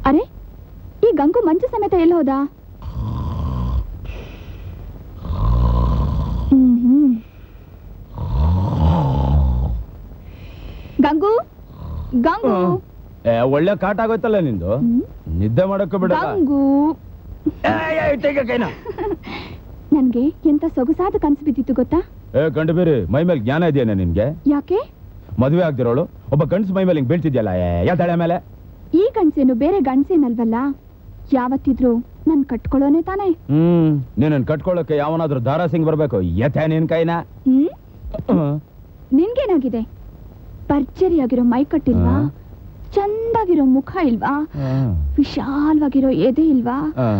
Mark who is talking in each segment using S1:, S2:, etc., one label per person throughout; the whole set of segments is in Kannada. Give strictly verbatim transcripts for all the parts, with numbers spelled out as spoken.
S1: ಅರೆ ಈ ಗಂಗು ಮಂಚು ಸಮೇತ ಎಲ್ಲಿ ಹೋದ? ಹ್ಮ್ ಹ್ಮ್ ಗಂಗು ಗಂಗು
S2: ಒಳ್ಳೆ ಕಾಟ ಆಗೋಯ್ತಲ್ಲ ನಿಂದು. ನಿದ್ದೆ ಮಾಡಕ್ಕೆ ಬಿಡ
S1: ಗಂಗು. ನನ್ಗೆ ಎಂತ ಸೊಗಸಾದ ಕನಸು ಬಿದ್ದಿತ್ತು ಗೊತ್ತಾ?
S2: ಏ ಗಂಡು ಬೇರೆ ಮೈ ಮೇಲೆ ಜ್ಞಾನ ಇದೆಯೇನೆ ನಿನ್ಗೆ?
S1: ಯಾಕೆ?
S2: ಮದುವೆ ಆಗ್ದಿರೋಳು ಒಬ್ಬ ಗಂಡ್ಸ್ ಮೈ ಮೇಲೆ ಹಿಂಗ್ ಬೀಳ್ತಿದ್ಯಲ್ಲ ಯಾ ತಲೆ ಮೇಲೆ?
S1: ಈ ಗಂಡ್ಸೇನು ಬೇರೆ ಗಂಡ್ಸೇನಲ್ವಲ್ಲ, ಯಾವತ್ತಿದ್ರು ನನ್ ಕಟ್ಕೊಳ್ಳೋನೆ ತಾನೆ.
S2: ಹ್ಮ್ ನೀನನ್ ಕಟ್ಕೊಳ್ಳೋಕೆ ಯಾವನಾದ್ರೂ ದಾರಾ ಸಿಂಗ್ ಬರ್ಬೇಕು. ಯಥೆ ನಿನ್ ಕೈನ.
S1: ಹ್ಮ್ ನಿನ್ಗೇನಾಗಿದೆ? ಭರ್ಜರಿಯಾಗಿರೋ ಮೈ ಕಟ್ಟಿಲ್ವಾ? ಚಂದಾಗಿರೋ ಮುಖ ಇಲ್ವಾ? ವಿಶಾಲವಾಗಿರೋ ಎದೆ ಇಲ್ವಾ?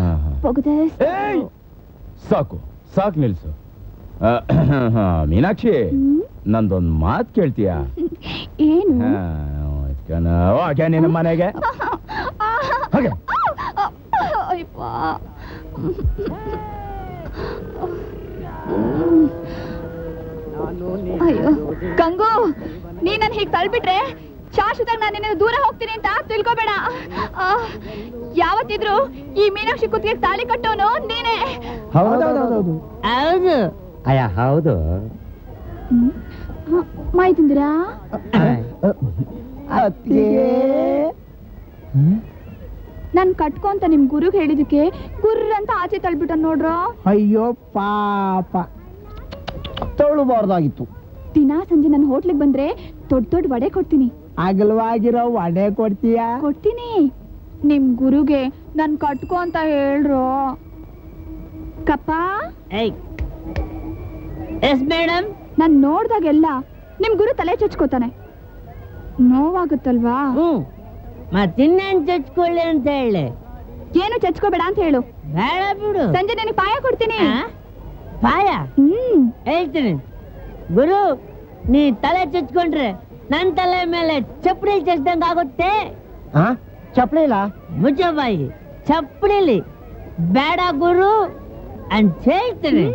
S2: ಸಾಕು ಸಾಕು ನಿಲ್ಸು. ಮೀನಾಕ್ಷಿ, ನಂದೊಂದ್ ಮಾತ್ ಕೇಳ್ತೀಯಾ?
S1: ಏನು?
S2: ನಿನ್ನ ಮನೆಗೆ
S1: ಅಯ್ಯೋ ಗಂಗು, ನೀ ನನ್ ಹೀಗ್ ತಳ್ಬಿಟ್ರೆ ಶಾಶ್ವತಾಗ ನಾನು ನಿನ್ನ ದೂರ ಹೋಗ್ತೀನಿ ಅಂತ ತಿಳ್ಕೊಬೇಡ. ಯಾವತ್ತಿದ್ರು ಈ ಮೀನಾಕ್ಷಿ ಕುತ್ತಿಗೆ ತಾಳಿ ಕಟ್ಟೋನು ನೀನೇ.
S3: ಹೌದು ಅಯ್ಯ ಹೌದು.
S1: ಮೈ ತಿಂದಿರಾ? ನನ್ ಕಟ್ಕೊಂತ ನಿಮ್ ಗುರುಗ್ ಹೇಳಿದಕ್ಕೆ ಗುರ್ರ ಅಂತ ಆಚೆ ತಳ್ಬಿಟ್ಟ ನೋಡ್ರ.
S3: ಅಯ್ಯೋ ಪಾಪ, ತೊಳಬಾರ್ದಾಗಿತ್ತು.
S1: ದಿನಾ ಸಂಜೆ ನನ್ ಹೋಟ್ಲಿಗೆ ಬಂದ್ರೆ ದೊಡ್ಡ ದೊಡ್ಡ ವಡೆ ಕೊಡ್ತೀನಿ.
S3: ಅಗಲವಾಗಿರೋ ವಡೆ ಕೊಡ್ತೀಯ?
S1: ಕೊಡ್ತೀನಿ. ನಿಮ್ ಗುರುಗೆ ನನ್ ಕಟ್ಕೋ ಅಂತ ಹೇಳ್ರು. ಕಪ್ಪ
S4: ಎಸ್ ಮೇಡಮ್.
S1: ನಾನ್ ನೋಡ್ದಾಗೆಲ್ಲ ನಿಮ್ ಗುರು ತಲೆ ಚಚ್ಕೋತಾನೆ. ನೋವಾಗುತ್ತಲ್ವಾ?
S4: ಮತ್ತಿನ್ನೇನ್ ಚಚ್ಕೊಳ್ಳಿ ಅಂತ ಹೇಳಿ.
S1: ಏನು ಚಚ್ಕೋಬೇಡ ಅಂತ ಹೇಳು.
S4: ಬೇಡ ಬಿಡು.
S1: ಸಂಜೆ ನನಗೆ ಪಾಯ ಕೊಡ್ತೀನಿ.
S4: ಪಾಯ?
S1: ಹ್ಮ್
S4: ಹೇಳ್ತೀನಿ. ಗುರು, ನೀ ತಲೆ ಚಚ್ಕೊಂಡ್ರೆ ನನ್ ತಲೆ ಮೇಲೆ ಚಪ್ಪಡಿ ಚಚ್ದಂಗ ಆಗುತ್ತೆ.
S3: ಚಪ್ಪಲಿಲ್ಲ?
S4: ಮುಚ್ಚಬಾಯಿ, ಚಪ್ಪಡಿಲಿ ಬೇಡ ಗುರು ಅಂತ ಹೇಳ್ತೀನಿ.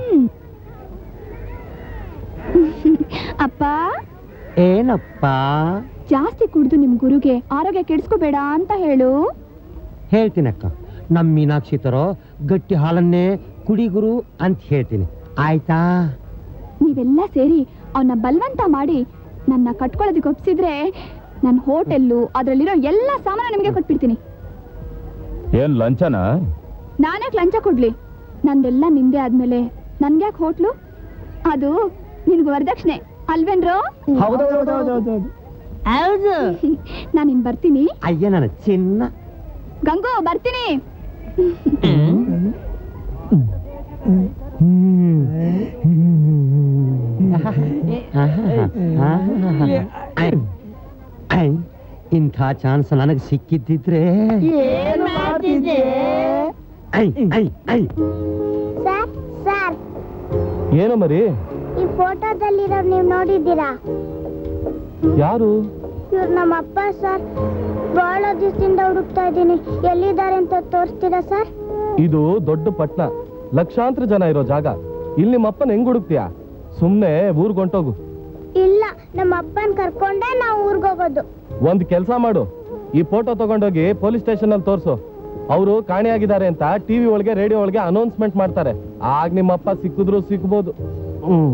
S1: ಅಪ್ಪ.
S3: ಏನಪ್ಪ?
S1: ಜಾಸ್ತಿ ಕುಡ್ದು ನಿಮ್ ಗುರುಗೆ ಆರೋಗ್ಯ ಕೆಡಿಸ್ಕೋಬೇಡ ಅಂತ ಹೇಳು.
S3: ಹೇಳ್ತೀನಕ್ಕ. ನಮ್ ಮೀನಾಕ್ಷಿ ತರೋ ಗಟ್ಟಿ ಹಾಲನ್ನೇ ಕುಡಿ ಗುರು ಅಂತ ಹೇಳ್ತೀನಿ. ಆಯ್ತಾ?
S1: ನೀವೆಲ್ಲ ಸೇರಿ ಅವನ್ನ ಬಲವಂತ ಮಾಡಿ ನನ್ನ ಕಟ್ಕೊಳ್ಳೋದಕ್ಕೆ ಒಪ್ಸಿದ್ರೆ ನನ್ನ ಹೋಟೆಲ್ಲು ಅದ್ರಲ್ಲಿರೋ ಎಲ್ಲ ಸಾಮಾನು ನಿಮಗೆ ಕೊಟ್ಬಿಡ್ತೀನಿ.
S2: ಏನ್ ಲಂಚನ?
S1: ನಾನ್ಯಾಕೆ ಲಂಚ ಕೊಡ್ಲಿ? ನಂದೆಲ್ಲ ನಿಂದೆ ಆದ್ಮೇಲೆ ನನ್ಗ್ಯಾಕೆ ಹೋಟ್ಲು? ಅದು ನಿನ್ಗೆ ವರದಕ್ಷಿಣೆ ಅಲ್ವೇನ್ರೋ?
S3: ಹೌದು.
S4: ಹೌದು.
S1: ನಾನಿನ್ ಬರ್ತೀನಿ.
S3: ಅಯ್ಯ ನನ್ನ ಚಿನ್ನ.
S1: ಗಂಗು ಬರ್ತೀನಿ.
S3: ಇಂಥ ಚಾನ್ಸ್ ನನಗೆ ಸಿಕ್ಕಿದ್ದಿದ್ರೆ
S4: ಏನ್ ಮಾಡ್ತಿದ್ದೆ?
S2: ಏನು ಮರಿ?
S5: ಈ ಫೋಟೋದಲ್ಲಿರೋ ನೀವು ನೋಡಿದ್ದೀರಾ?
S2: ಯಾರು?
S5: ಇವ್ರು ನಮ್ಮ ಅಪ್ಪ ಸರ್. ಬಹಳ ದಿವಸದಿಂದ ಹುಡುಕ್ತಾ ಇದ್ದೀನಿ, ಎಲ್ಲಿದ್ದಾರೆ ಅಂತ ತೋರಿಸ್ತೀರಾ ಸರ್?
S2: ಇದು ದೊಡ್ಡ ಪಟ್ನ, ಲಕ್ಷಾಂತರ ಜನ ಇರೋ ಜಾಗ. ಇಲ್ಲಿ ನಿಮ್ಮ ಅಪ್ಪನ ಹೆಂಗ್ ಹುಡುಕ್ತೀಯಾ? ಸುಮ್ನೆ ಊರ್ಗೊಂಟೋಗು.
S5: ಇಲ್ಲ, ನಮ್ಮ ಅಪ್ಪನ್ ಕರ್ಕೊಂಡೆ ನಾವು ಊರ್ಗೋಗೋದು.
S2: ಒಂದ್ ಕೆಲ್ಸ ಮಾಡು, ಈ ಫೋಟೋ ತಗೊಂಡೋಗಿ ಪೊಲೀಸ್ ಸ್ಟೇಷನ್ ಅಲ್ಲಿ ತೋರ್ಸು. ಅವರು ಕಾಣೆಯಾಗಿದ್ದಾರೆ ಅಂತ ಟಿವಿ ಒಳಗೆ ರೇಡಿಯೋ ಒಳಗೆ ಅನೌನ್ಸ್ಮೆಂಟ್ ಮಾಡ್ತಾರೆ. ಆಗ ನಿಮ್ಮ ಅಪ್ಪ ಸಿಕ್ಕಿದ್ರು ಸಿಕ್ಬೋದು. ಹ್ಮ್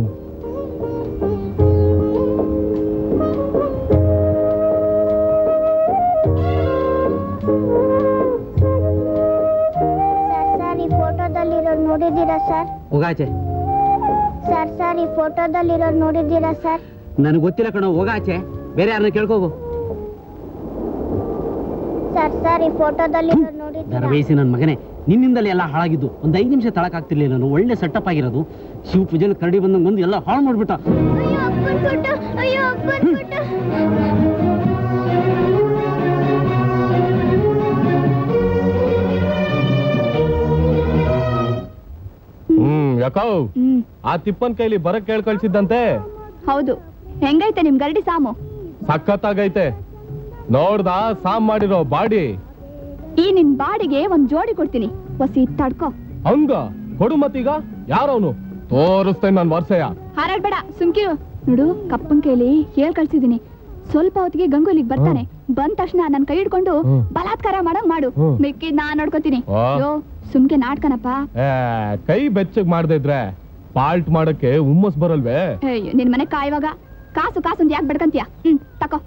S5: ಫೋಟೋದಲ್ಲಿರೋರು ನೋಡಿದ್ದೀರಾ ಸರ್?
S3: ಹೋಗಾಚೆ.
S5: ಸರ್ ಸರ್ ಈ ಫೋಟೋದಲ್ಲಿರೋರು ನೋಡಿದ್ದೀರಾ ಸರ್?
S3: ನನಗೆ ಗೊತ್ತಿಲ್ಲ ಕಣೋ, ಹೋಗಾಚೆ. ಬೇರೆ ಯಾರನ್ನ ಕೇಳ್ಕೋಗು.
S5: ಸರ್ ಸರ್ ಈ ಫೋಟೋದಲ್ಲಿರೋರು ನೋಡಿದ್ದೀರಾ?
S3: ಬೇಸಿ ನನ್ನ ಮಗನೇ, ನಿನ್ನಿಂದಲೇ ಎಲ್ಲ ಹಾಳಾಗಿದ್ದು. ಒಂದ್ ಐದು ನಿಮಿಷ ತಳಕಾಗ್ತಿರ್ಲಿಲ್ಲ. ನಾನು ಒಳ್ಳೆ ಸೆಟಪ್ ಆಗಿರೋದು. ಶಿವ ಪೂಜೆನ ಕರಡಿ ಬಂದಂಗೆ ಬಂದು ಎಲ್ಲ ಹಾಳು ಮಾಡ್ಬಿಟ್ಟ.
S5: ಅಯ್ಯೋ ಅಪ್ಪನ್ ಫೋಟೋ, ಅಯ್ಯೋ ಅಪ್ಪನ್ ಫೋಟೋ.
S2: ಹ್ಮ್ ಯಾಕೋ ಆ ತಿಪ್ಪನ್ ಕೈಲಿ ಬರಕ್ ಕೇಳ್ ಕಳ್ಸಿದ್ದಂತೆ?
S1: ಹೌದು. ಹೆಂಗೈತೆ ನಿಮ್ ಗರಡಿ ಸಾಮು?
S2: ಸಖತ್ತಾಗೈತೆ. ನೋಡ್ದ ಸಾಮ್ ಮಾಡಿರೋ ಬಾಡಿ?
S1: ಈ ನಿನ್ ಬಾಡಿಗೆ ಒಂದ್ ಜೋಡಿ ಕೊಡ್ತೀನಿ, ಹೊಸಿ ತಡ್ಕೋ.
S2: ಹಂಗ ಕೊಡು ಮತ್ತೀಗ. ಯಾರವನು? ತೋರಿಸ್ತೇನೆ ನನ್ ವರ್ಷಯ.
S1: ಹಾರಾಡ್ಬೇಡ, ಸುಮ್ಕಿರು. ನೋಡು, ಕಪ್ಪನ್ ಕೈಲಿ ಹೇಳ್ ಕಳ್ಸಿದೀನಿ. ಸ್ವಲ್ಪ ಹೊತ್ತಿಗೆ ಗಂಗು ಇಲ್ಲಿಗೆ ಬರ್ತಾನೆ. ಬಂದ ತಕ್ಷಣ ನನ್ ಕೈ ಹಿಡ್ಕೊಂಡು
S2: ಹ್ಮ್.
S1: ಬಲಾತ್ಕಾರ ಮಾಡಂಗ್ ಮಾಡು
S2: ಹ್ಮ್.
S1: ಮಿಕ್ಕಿದ್ ನಾನ್ ನೋಡ್ಕೋತೀನಿ
S2: ಆ.
S1: ಯೋ ಸುಮ್ಕೆ ನಾಟ್ಕನಪ್ಪ.
S2: ಏ, ಕೈ ಬೆಚ್ಚಗ್ ಮಾಡದೇ ಇದ್ರೆ ಪಾಲ್ಟ್ ಮಾಡಕ್ಕೆ ಹುಮ್ಮಸ್ ಬರಲ್ವೇ?
S1: ಅಯ್ಯೋ ನಿನ್ ಮನೆ ಕಾಯುವಾಗ ಕಾಸು ಕಾಸು ಅಂತ ಯಾಕೆ ಬೆಡ್ಕಂತೀಯ? ಹ್ಮ್ ತಕೋ.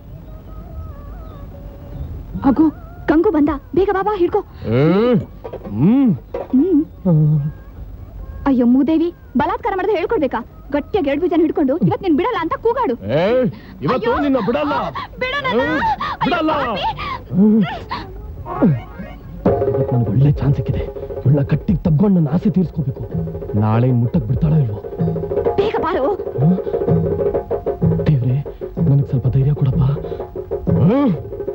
S1: ಅಗೋ ಗಂಗು ಬಂದ, ಬೇಗ ಬಾಬಾ ಹಿಡ್ಕೋ.
S2: ಏ, ಹ್ಮ್
S1: ಹ್ಮ್ ಅಯ್ಯೋ ಮೂದೇವಿ, ಬಲಾತ್ಕಾರ ಮಾಡಿದ್ರೆ ಹೇಳ್ಕೊಡ್ಬೇಕಾ? ಗಟ್ಟಿಯಾಗಿ ಎರಡು ಬೀಜನ ಹಿಡ್ಕೊಂಡು ಇವತ್ ನೀನ್ ಬಿಡಲ್ಲ ಅಂತ ಕೂಗಾಡು.
S2: ಏ, ಇವತ್ತು
S1: ಅಯ್ಯೋ.
S2: ನಿನ್ನ ಬಿಡಲ್ಲ
S1: ಬಿಡು ನನ್ನ.
S2: ಹ್ಮ್,
S1: ಅಯ್ಯೋ,
S2: ಬಿಡಲ್ಲ.
S1: ಪಾಪಿ.
S2: ಇವತ್ತು ನನಗೆ ಒಳ್ಳೆ ಚಾನ್ಸ್ ಸಿಕ್ಕಿದೆ. ಇವಳ ಕಟ್ಟಿಗೆ ತಬ್ಕೊಂಡು ನನ್ನ ಆಸೆ ತೀರ್ಸ್ಕೋಬೇಕು. ನಾಳೆ ಮುಟ್ಟಕ್ ಬಿಡ್ತಾಳೋ ಇಲ್ವೋ?
S1: ಬೇಗ ಬಾರು.
S2: ದೇವ್ರೆ, ನನಗೆ ಸ್ವಲ್ಪ ಧೈರ್ಯ ಕೊಡಪ್ಪ. ಹ್ಮ್.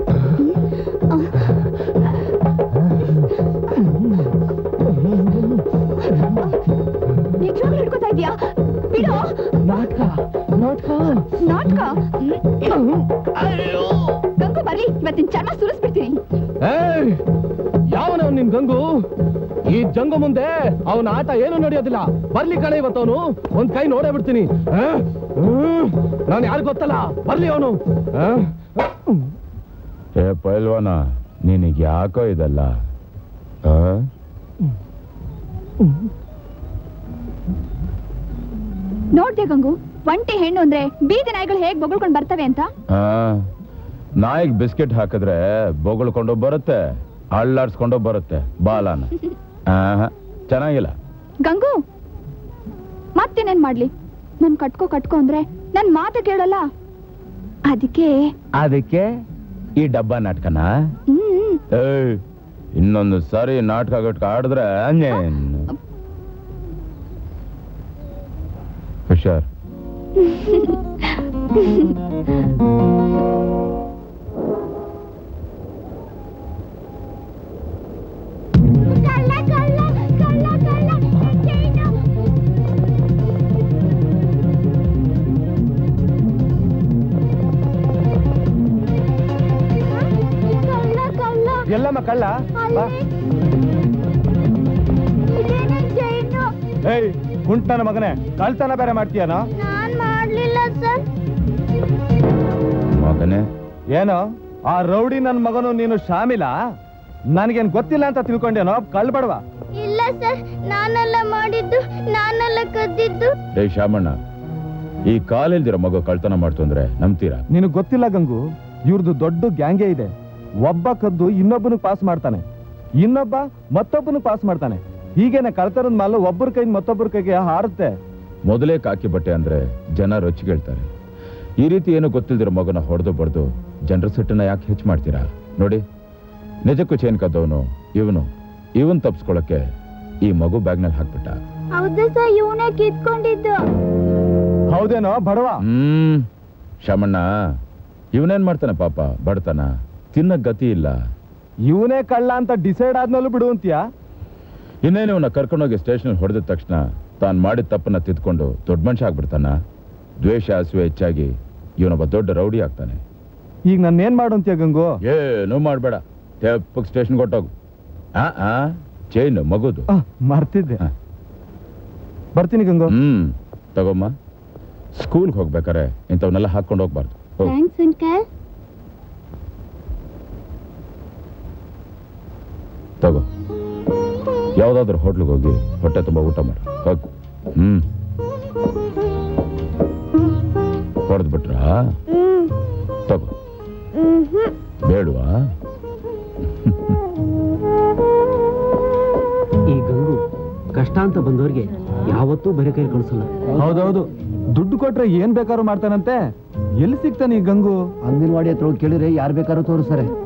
S1: ನಿಜವಾಗ್ಲೂ ಹಿಡ್ಕೊತಾ ಇದೀಯಾ? ಬಿಡು.
S2: ನಾಟಕ ನಾಟಕ
S1: ನಾಟಕ. ಗಂಗು ಬರ್ಲಿ, ಇವತ್ತಿನ ಚರ್ಮ ಸುರಿಸ್ಬಿಡ್ತೀನಿ.
S2: ಏಯ್, ಯಾವನ ನಿನ್ ಗಂಗು? ಈ ಜಂಗು ಮುಂದೆ ಅವನ ಆಟ ಏನು ನಡೆಯೋದಿಲ್ಲ. ಬರ್ಲಿ ಕಣೆ, ಇವತ್ತವನು ಒಂದ್ ಕೈ ನೋಡೇ ಬಿಡ್ತೀನಿ. ನಾನು ಯಾರು ಗೊತ್ತಲ್ಲ, ಬರ್ಲಿ ಅವನು.
S6: ಏ ಪೈಲ್ವಾನ, ನಿನಗೆ ಯಾಕೋ ಇದಲ್ಲ? ಆ?
S1: ನೋಡ್ದೆ ಗಂಗು, ಒಂಟಿ ಹೆಣ್ಣು ಅಂದ್ರೆ ಬೀದಿ ನಾಯಿಗಳು ಹೇಗ್ ಬೊಗಳ್ಕೊಂಡ್ ಬರ್ತವೆ ಅಂತ.
S6: ಆ, ನಾಯಿಗ್ ಬಿಸ್ಕೆಟ್ ಹಾಕಿದ್ರೆ ಬೊಗಳ್ಕೊಂಡು ಬರುತ್ತೆ, ಅಳ್ಳಾಡ್ಸ್ಕೊಂಡು ಬರುತ್ತೆ ಬಾಲಾನ. ಆಹಾ, ಚೆನ್ನಾಗಿಲ್ಲ.
S1: ಗಂಗು ಮತ್ತೇನೇನ್ ಮಾಡ್ಲಿ? ನನ್ ಕಟ್ಕೋ ಕಟ್ಕೋ ಅಂದ್ರೆ ನನ್ ಮಾತು ಕೇಳಲ್ಲ. ಅದಕ್ಕೆ
S6: ಅದಕ್ಕೆ ಈ ಡಬ್ಬ ನಾಟಕನ?
S1: ಹ್ಮ್
S6: ಏಯ್, ಇನ್ನೊಂದು ಸಾರಿ ನಾಟಕ ಗಟ್ಕ ಆಡಿದ್ರೆ ಅನ್ನೇನು ಹುಷಾರ್.
S2: ಎಲ್ಲಮ್ಮ ಕಳ್ಳ? ಬಾ. ಏಯ್ ಕುಂಟ್ ನನ್ನ ಮಗನೇ, ಕಳ್ತನ ಬೇರೆ ಮಾಡ್ತೀಯನೋ?
S5: ನಾನ್ ಮಾಡ್ಲಿಲ್ಲ ಸರ್.
S6: ಮಗನೇ,
S2: ಏನೋ ಆ ರೌಡಿ ನನ್ ಮಗನು ನೀನು ಶಾಮಿಲ? ನನ್ಗೇನ್ ಗೊತ್ತಿಲ್ಲ ಅಂತ ತಿಳ್ಕೊಂಡೇನೋ? ಕಳ್ಬಡವಾ?
S5: ಇಲ್ಲ ಸರ್, ನಾನೆಲ್ಲ ಮಾಡಿದ್ದು, ನಾನೆಲ್ಲ ಕದ್ದಿದ್ದು.
S6: ರೇ ಶಾಮಣ್ಣ, ಈ ಕಾಲಿಲ್ದಿರೋ ಮಗು ಕಳ್ತನ ಮಾಡ್ತು ಅಂದ್ರೆ ನಂಬ್ತೀರಾ?
S2: ನಿನಗ್ ಗೊತ್ತಿಲ್ಲ ಗಂಗು, ಇವ್ರದ್ದು ದೊಡ್ಡ ಗ್ಯಾಂಗೇ ಇದೆ. ಒಬ್ಬ ಕದ್ದು ಇನ್ನೊಬ್ಬನು ಪಾಸ್ ಮಾಡ್ತಾನೆ, ಇನ್ನೊಬ್ಬ ಮತ್ತೊಬ್ಬನು ಪಾಸ್ ಮಾಡ್ತಾನೆ. ಹೀಗೇನೆ ಕಳ್ತನದ ಮಾಲು ಒಬ್ಬರ ಕೈ ಮತ್ತೊಬ್ಬರ ಕೈಗೆ ಹಾರುತ್ತೆ.
S6: ಮೊದಲೇ ಕಾಕಿ ಬಟ್ಟೆ ಅಂದ್ರೆ ಜನ ರೊಚ್ಚಿಗೇಳ್ತಾರೆ. ಈ ರೀತಿ ಏನು ಗೊತ್ತಿಲ್ದಿರೋ ಮಗನ ಹೊಡೆದು ಬಡ್ದು ಜನರ ಸಿಟ್ಟನ್ನ ಯಾಕೆ ಹೆಚ್ಚು ಮಾಡ್ತೀರಾ? ನೋಡಿ, ನಿಜಕ್ಕೂ ಚೇನ್ ಕದ್ದವನು ಇವನು. ಇವನ್ ತಪ್ಸ್ಕೊಳಕ್ಕೆ ಈ ಮಗು ಬ್ಯಾಗ್ನಲ್ಲಿ ಹಾಕ್ಬಿಟ್ಟ.
S5: ಹೌದು ಸರ್, ಇವನೇ ಕಿತ್ಕೊಂಡಿದ್ದು.
S2: ಹೌದೇನೋ ಬಡವ?
S6: ಹ್ಮ್ ಶಾಮಣ್ಣ, ಇವನೇನ್ ಮಾಡ್ತಾನೆ ಪಾಪ, ಬಡತನ, ತಿನ್ನ ಗತಿ ಇಲ್ಲ.
S2: ಇವನೇ ಕಳ್ಳ ಅಂತ ಡಿಸೈಡ್ ಆದ್ಮೇಲೂ ಬಿಡು ಅಂತೀಯಾ?
S6: ಇನ್ನೇನು ಇವನ್ನ ಕರ್ಕೊಂಡೋಗಿ ಸ್ಟೇಷನ್ ಹೊಡೆದ ತಕ್ಷಣ ತಾನು ಮಾಡಿದ ತಪ್ಪನ್ನ ತಿದ್ಕೊಂಡು ದೊಡ್ಡ ಮನುಷ್ಯ ಆಗ್ಬಿಡ್ತಾನ? ದ್ವೇಷ ಹಸುವೆ ಹೆಚ್ಚಾಗಿ ಇವನೊಬ್ಬ ದೊಡ್ಡ ರೌಡಿ ಆಗ್ತಾನೆ.
S2: ಈಗ ನನ್ನೇನ್ ಮಾಡು ಅಂತೀಯ ಗಂಗು?
S6: ಏನೂ ಮಾಡ್ಬೇಡ, ತೆಪ್ಪಗ್ ಸ್ಟೇಷನ್ ಕೊಟ್ಟೋಗು. ಆ ಆ ಚೈನ್ ಮಗುದು.
S2: ಮರ್ತಿದ್ದೆ.
S6: ಹ.
S2: ಬರ್ತೀನಿ ಗಂಗು.
S6: ಹ್ಮ್ ತಗೊಮ್ಮ. ಸ್ಕೂಲ್ಗೆ ಹೋಗ್ಬೇಕಾರೆ ಇಂಥವನ್ನೆಲ್ಲ ಹಾಕೊಂಡು ಹೋಗ್ಬಾರ್ದು. ಹೋಗು.
S5: Thanks uncle.
S6: ತಗೋ, ಯಾವ್ದಾದ್ರು ಹೋಟ್ಲಿಗೆ ಹೋಗಿ ಹೊಟ್ಟೆ ತುಂಬ ಊಟ ಮಾಡಿ ಹೋಗು. ಹ್ಮ್ ಹೊಡೆದ್ ಬಿಟ್ರಾ? ತಗೋ. ಬೇಡವಾ?
S3: ಈ ಗಂಗು ಕಷ್ಟ ಅಂತ ಬಂದವ್ರಿಗೆ ಯಾವತ್ತೂ ಬರೆ ಕೈ ಕಳಿಸಲ್ಲ.
S2: ಹೌದೌದು, ದುಡ್ಡು ಕೊಟ್ರೆ ಏನ್ ಬೇಕಾದ್ರೂ ಮಾಡ್ತಾನಂತೆ. ಎಲ್ಲಿ ಸಿಗ್ತಾನೆ ಈ ಗಂಗು?
S7: ಅಂಗನವಾಡಿ ಹತ್ರ ಹೋಗಿ ಕೇಳಿದ್ರೆ ಯಾರು ಬೇಕಾದ್ರೂ ತೋರಿಸ್ತಾರೆ.